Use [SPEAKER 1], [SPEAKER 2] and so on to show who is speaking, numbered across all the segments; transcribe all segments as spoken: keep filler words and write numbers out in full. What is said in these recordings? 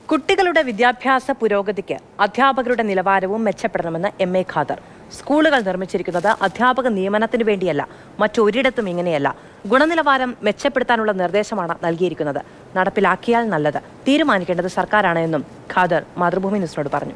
[SPEAKER 1] കുട്ടികളുടെ വിദ്യാഭ്യാസ പുരോഗതിക്ക് അധ്യാപകരുടെ നിലവാരവും മെച്ചപ്പെടണമെന്ന് എം എ ഖാദർ. സ്കൂളുകൾ നിർമ്മിച്ചിരിക്കുന്നത് അധ്യാപക നിയമനത്തിന് വേണ്ടിയല്ല, മറ്റൊരിടത്തും ഇങ്ങനെയല്ല. ഗുണനിലവാരം മെച്ചപ്പെടുത്താനുള്ള നിർദ്ദേശമാണ് നൽകിയിരിക്കുന്നത്. നടപ്പിലാക്കിയാൽ നല്ലത്, തീരുമാനിക്കേണ്ടത് സർക്കാരാണ് എന്നും ഖാദർ മാതൃഭൂമി ന്യൂസിനോട് പറഞ്ഞു.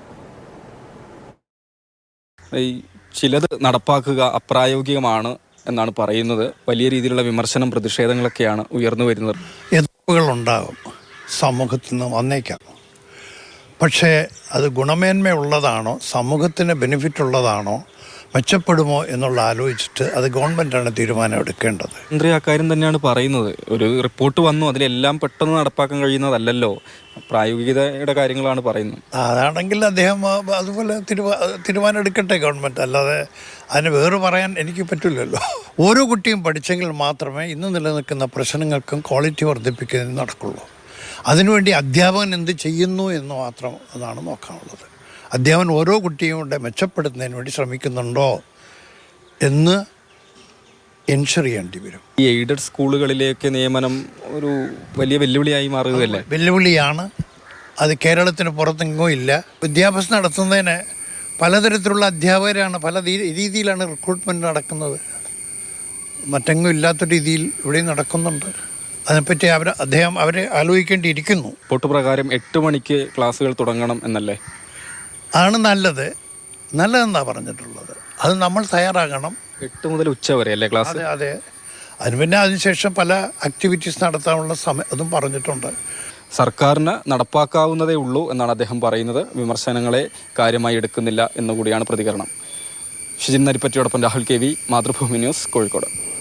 [SPEAKER 2] ചിലത് നടപ്പാക്കുക അപ്രായോഗികമാണ് എന്നാണ് പറയുന്നത്. വലിയ രീതിയിലുള്ള വിമർശനം, പ്രതിഷേധങ്ങളൊക്കെയാണ് ഉയർന്നു വരുന്നത്.
[SPEAKER 3] എതിർപ്പുകളുണ്ടാകും, സമൂഹത്തിൽ നിന്ന് വന്നേക്കാം. പക്ഷേ അത് ഗുണമേന്മയുള്ളതാണോ, സമൂഹത്തിന് ബെനിഫിറ്റ് ഉള്ളതാണോ, മെച്ചപ്പെടുമോ എന്നുള്ള ആലോചിച്ചിട്ട് അത് ഗവൺമെൻറ്റാണ് തീരുമാനം എടുക്കേണ്ടത്.
[SPEAKER 2] മന്ത്രി അക്കാര്യം തന്നെയാണ് പറയുന്നത്. ഒരു റിപ്പോർട്ട് വന്നു, അതിലെല്ലാം പെട്ടെന്ന് നടപ്പാക്കാൻ കഴിയുന്നതല്ലല്ലോ, പ്രായോഗികതയുടെ കാര്യങ്ങളാണ് പറയുന്നത്.
[SPEAKER 3] അതാണെങ്കിൽ അദ്ദേഹം അതുപോലെ തീരുമാ തീരുമാനം എടുക്കട്ടെ ഗവൺമെൻറ്, അല്ലാതെ അതിന് വേറെ പറയാൻ എനിക്ക് പറ്റില്ലല്ലോ. ഓരോ കുട്ടിയും പഠിച്ചെങ്കിൽ മാത്രമേ ഇന്ന് നിലനിൽക്കുന്ന പ്രശ്നങ്ങൾക്കും ക്വാളിറ്റി വർദ്ധിപ്പിക്കുന്നതിന് നടക്കുള്ളൂ. അതിനുവേണ്ടി അധ്യാപകൻ എന്ത് ചെയ്യുന്നു എന്ന് മാത്രം അതാണ് നോക്കാനുള്ളത്. അധ്യാപകൻ ഓരോ കുട്ടിയും കൂടെ മെച്ചപ്പെടുത്തുന്നതിന് വേണ്ടി ശ്രമിക്കുന്നുണ്ടോ എന്ന് എൻഷുർ ചെയ്യേണ്ടി വരും.
[SPEAKER 2] ഈ എയ്ഡഡ് സ്കൂളുകളിലേക്ക് നിയമനം ഒരു വലിയ വെല്ലുവിളിയായി മാറുകയല്ലേ?
[SPEAKER 3] വെല്ലുവിളിയാണ്. അത് കേരളത്തിന് പുറത്തെങ്ങോ ഇല്ല. വിദ്യാഭ്യാസം നടത്തുന്നതിന് പലതരത്തിലുള്ള അധ്യാപകരാണ്, പല രീതിയിലാണ് റിക്രൂട്ട്മെൻറ്റ് നടക്കുന്നത്. മറ്റെങ്ങും ഇല്ലാത്ത രീതിയിൽ ഇവിടെയും നടക്കുന്നുണ്ട്. അതിനെപ്പറ്റി അവർ അദ്ദേഹം അവരെ ആലോചിക്കേണ്ടിയിരിക്കുന്നു.
[SPEAKER 2] റിപ്പോർട്ട് പ്രകാരം എട്ട് മണിക്ക് ക്ലാസ്സുകൾ തുടങ്ങണം എന്നല്ലേ?
[SPEAKER 3] ആണ് നല്ലത്, നല്ലതെന്നാണ് പറഞ്ഞിട്ടുള്ളത്. അത് നമ്മൾ തയ്യാറാകണം.
[SPEAKER 2] എട്ട് മുതൽ ഉച്ച വരെ അല്ലേ ക്ലാസ്?
[SPEAKER 3] അതെ അതെ അതിന് പിന്നെ അതിനുശേഷം പല ആക്ടിവിറ്റീസ് നടത്താനുള്ള സമയം അതും പറഞ്ഞിട്ടുണ്ട്.
[SPEAKER 2] സർക്കാരിന് നടപ്പാക്കാവുന്നതേ ഉള്ളൂ എന്നാണ് അദ്ദേഹം പറയുന്നത്. വിമർശനങ്ങളെ കാര്യമായി എടുക്കുന്നില്ല എന്നുകൂടിയാണ് പ്രതികരണം. ഷിജിൻ നരിപ്പറ്റിയോടൊപ്പം Rahul K V, Mathrubhumi news, Kozhikode.